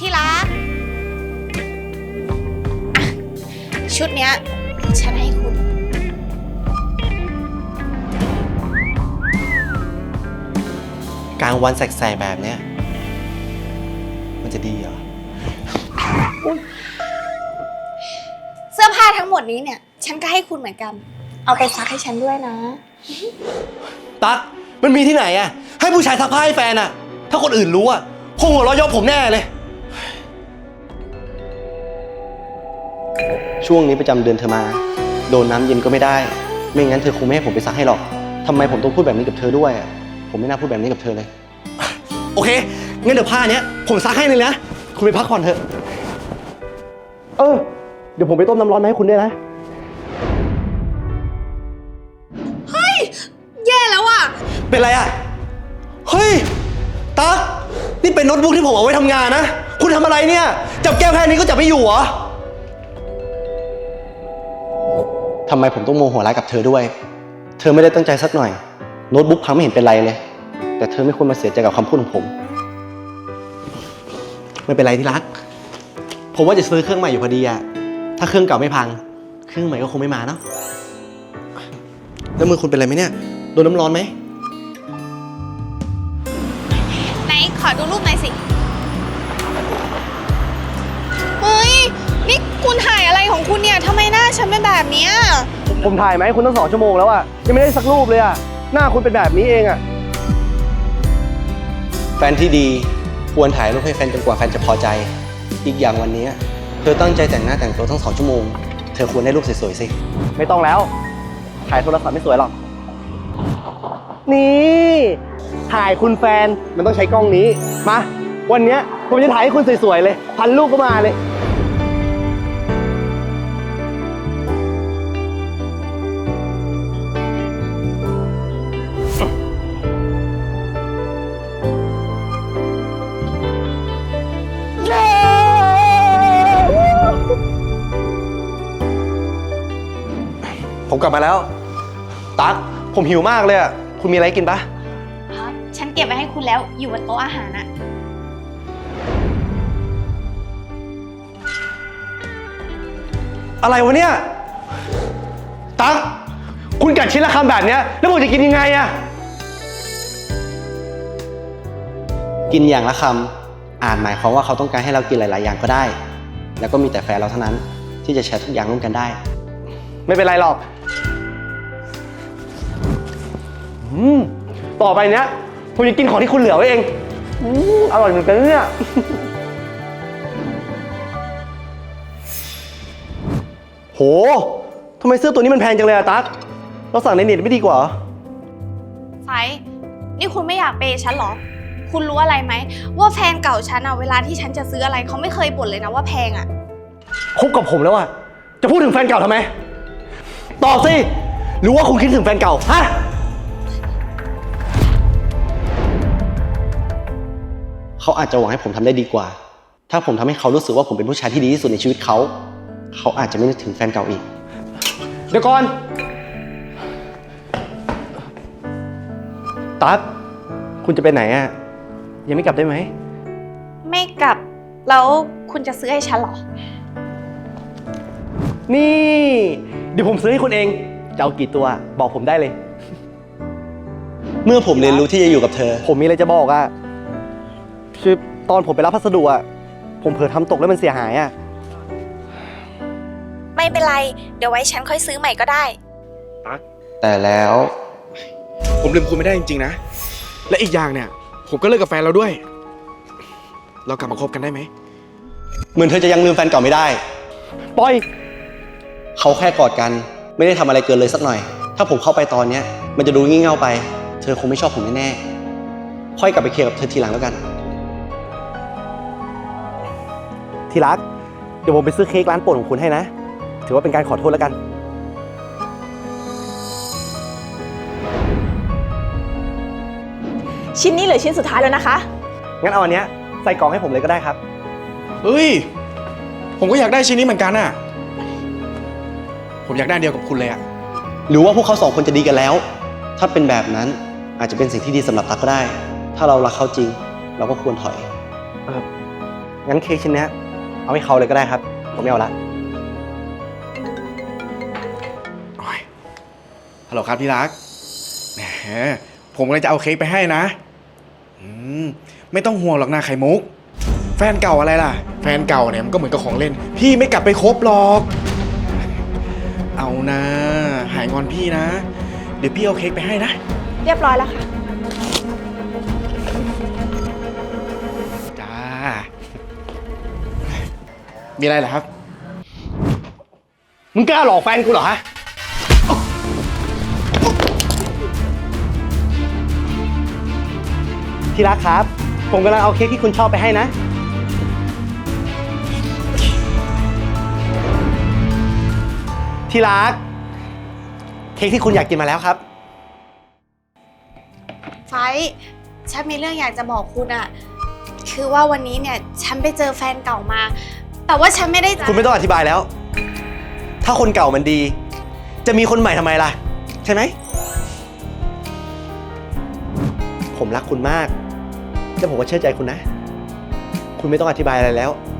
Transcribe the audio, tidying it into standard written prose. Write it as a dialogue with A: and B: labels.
A: ที่รักชุดเนี้ยฉันให้คุณ
B: กลางวันแสกๆแบบเนี้ยมันจะดีเหรอ
A: เสื้อผ้าทั้งหมดนี้เนี่ยฉันก็ให้คุณเหมือนกัน เอาไปซักให้ฉันด้วยนะ
B: ตั๊กมันมีที่ไหนอะให้ผู้ชายซักผ้าให้แฟนอะถ้าคนอื่นรู้อะคงหัวเราะเยาะผมแน่เลยช่วงนี้ประจำเดือนเธอมาโดนน้ำเย็นก็ไม่ได้ไม่งั้นเธอคงไม่ให้ผมไปซักให้หรอกทำไมผมต้องพูดแบบนี้กับเธอด้วยอะผมไม่น่าพูดแบบนี้กับเธอเลยโอเคงั้นเดี๋ยวผ้าเนี้ยผมซักให้เลยนะคุณไปพักผ่อนเถอะเดี๋ยวผมไปต้มน้ำร้อนมาให้คุณด้วยนะ
A: เฮ้ยแย่แล้วอ่ะ
B: เป็นไรอะเฮ้ยตั๊กนี่เป็นโน้ตบุ๊กที่ผมเอาไว้ทำงานนะคุณทำอะไรเนี่ยจับแก้วแค่นี้ก็จับไม่อยู่เหรอทำไมผมต้องโมโหร้ายกับเธอด้วยเธอไม่ได้ตั้งใจสักหน่อยโน้ตบุ๊กพังไม่เห็นเป็นไรเลยแต่เธอไม่ควรมาเสียใจกับคำพูดของผมไม่เป็นไรที่รักผมว่าจะซื้อเครื่องใหม่อยู่พอดีอะถ้าเครื่องเก่าไม่พังเครื่องใหม่ก็คงไม่มาเนาะแล้วมือคุณเป็นไรไหมเนี่ยโดนน้ำร้อนไหม
A: ไหนขอดูรูปหน่อยสิ เฮ้ย นี่คุณถ่ายอะไรของคุณเนี่ยทำไมหน้าฉันเป็นแบบเนี้ย
C: ผมถ่ายไหมคุณตั้ง2 ชั่วโมงแล้วอะยังไม่ได้สักรูปเลยอะหน้าคุณเป็นแบบนี้เองอะ
B: แฟนที่ดีควรถ่ายรูปให้แฟนจนกว่าแฟนจะพอใจอีกอย่างวันนี้เธอตั้งใจแต่งหน้าแต่งตัวทั้ง2 ชั่วโมงเธอควรได้รูปสวยๆสิ
C: ไม่ต้องแล้วถ่ายโทรศัพท์ไม่สวยหรอกนี่ถ่ายคุณแฟนมันต้องใช้กล้องนี้มาวันเนี้ยผมจะถ่ายให้คุณสวยๆเลยพันรูปก็มาเลย
B: ผมกลับมาแล้วตั๊กผมหิวมากเลยอ่ะคุณมีอะไรกินปะ
A: ฉันเก็บไว้ให้คุณแล้วอยู่บนโต๊ะอาหารอะ
B: อะไรวะเนี่ยตั๊กคุณกัดชิ้นละคำแบบเนี้ยแล้วผมจะกินยังไงอ่ะกินอย่างละคำอาจหมายความว่าเขาต้องการให้เรากินหลายๆอย่างก็ได้แล้วก็มีแต่แฟนเราเท่านั้นที่จะแชร์ทุกอย่างร่วมกันได้
C: ไม่เป็นไรหรอกต่อไปเนี้ยผมจะกินของที่คุณเหลือไว้เองอร่อยเหมือนกันเนี่ย
B: โหทำไมเสื้อตัวนี้มันแพงจังเลยอะตั๊กเราสั่งในเน็ตไม่ดีกว่า
A: ไฟนี่คุณไม่อยากเปย์ฉันเหรอ คุณรู้อะไรไหมว่าแฟนเก่าฉันอะเวลาที่ฉันจะซื้ออะไรเขาไม่เคยบ่นเลยนะว่าแพงอะ
B: คบกับผมแล้วอะจะพูดถึงแฟนเก่าทำไมตอบสิหรือว่าคุณคิดถึงแฟนเก่าฮะเขาอาจจะหวังให้ผมทำได้ดีกว่าถ้าผมทำให้เขารู้สึกว่าผมเป็นผู้ชายที่ดีที่สุดในชีวิตเขาอาจจะไม่นึกถึงแฟนเก่าอีกเดี๋ยวก่อนตั๊กคุณจะไปไหนอะยังไม่กลับได้ไหม
A: ไม่กลับแล้วคุณจะซื้อให้ฉันเหรอ
C: นี่เดี๋ยวผมซื้อให้คุณเองจะเอากี่ตัวบอกผมได้เลย
B: เมื่อผมเรียนรู้ที่จะอยู่กับเธอ
C: ผมมีอะไรจะบอกอะคือตอนผมไปรับพัสดุอะผมเผลอทำตกแล้วมันเสียหายอะ
A: ไม่เป็นไรเดี๋ยวไว้ฉันค่อยซื้อใหม่ก็ได้
B: แต่แล้ว
D: ผมลืมคุณไม่ได้จริงๆนะ และอีกอย่างเนี่ย ผมก็เลิกกับแฟนเราด้วย เรากลับมาคบกันได้ไหม
B: เหมือนเธอจะยังลืมแฟนเก่าไม่ได้
C: ปล่อย
B: เขาแค่กอดกันไม่ได้ทำอะไรเกินเลยสักหน่อย ถ้าผมเข้าไปตอนเนี้ยมันจะดูงี่เง่าไปเธอคงไม่ชอบผมแน่ๆค่อยกลับไปเคลียร์กับเธอทีหลังแล้วกัน
C: ที่รักเดี๋ยวผมไปซื้อเค้กร้านโปรดของคุณให้นะถือว่าเป็นการขอโทษแล้วกัน
E: ชิ้นนี้เหลือชิ้นสุดท้ายแล้วนะคะ
C: งั้นเอาอันเนี้ยใส่กล่องให้ผมเลยก็ได้ครับ
D: เฮ้ย ผมก็อยากได้ชิ้นนี้เหมือนกันน่ะ ผมอยากได้เดียวกับคุณเลยอะ
B: หรือว่าพวกเขา2 คนจะดีกันแล้ว ถ้าเป็นแบบนั้นอาจจะเป็นสิ่งที่ดีสำหรับตั๊กก็ได้ ถ้าเรารักเขาจริงเราก็ควรถอยงั้นเค้กชิ้นเนี้ยเอาให้เขาเลยก็ได้ครับ ผมไม่เอาละ
D: โอ้ยฮัลโหลครับที่รัก แหม ผมเลยจะเอาเค้กไปให้นะ ไม่ต้องห่วงหรอกนะไข่มุก แฟนเก่าอะไรล่ะ แฟนเก่าเนี่ยมันก็เหมือนกับของเล่น พี่ไม่กลับไปคบหรอก เอานะ หายงอนพี่นะ เดี๋ยวพี่เอาเค้กไปให้นะ
A: เรียบร้อยแล้วค่ะ
D: จ้า มีอะไรเหรอครับ
C: มึงกล้าหลอกแฟนกูเหรอฮะ
B: ที่รักครับ ผมกำลังเอาเค้กที่คุณชอบไปให้นะ ที่รัก เค้กที่คุณอยากกินมาแล้วครับ
A: ไฟท์ฉันมีเรื่องอยากจะบอกคุณอะคือว่าวันนี้เนี่ยฉันไปเจอแฟนเก่ามา แต่ว่าฉันไม่ได้
B: คุณไม่ต้องอธิบายแล้ว ถ้าคนเก่ามันดี จะมีคนใหม่ทำไมล่ะ ใช่ไหม ผมรักคุณมากและผมก็เชื่อใจคุณนะ คุณไม่ต้องอธิบายอะไรแล้ว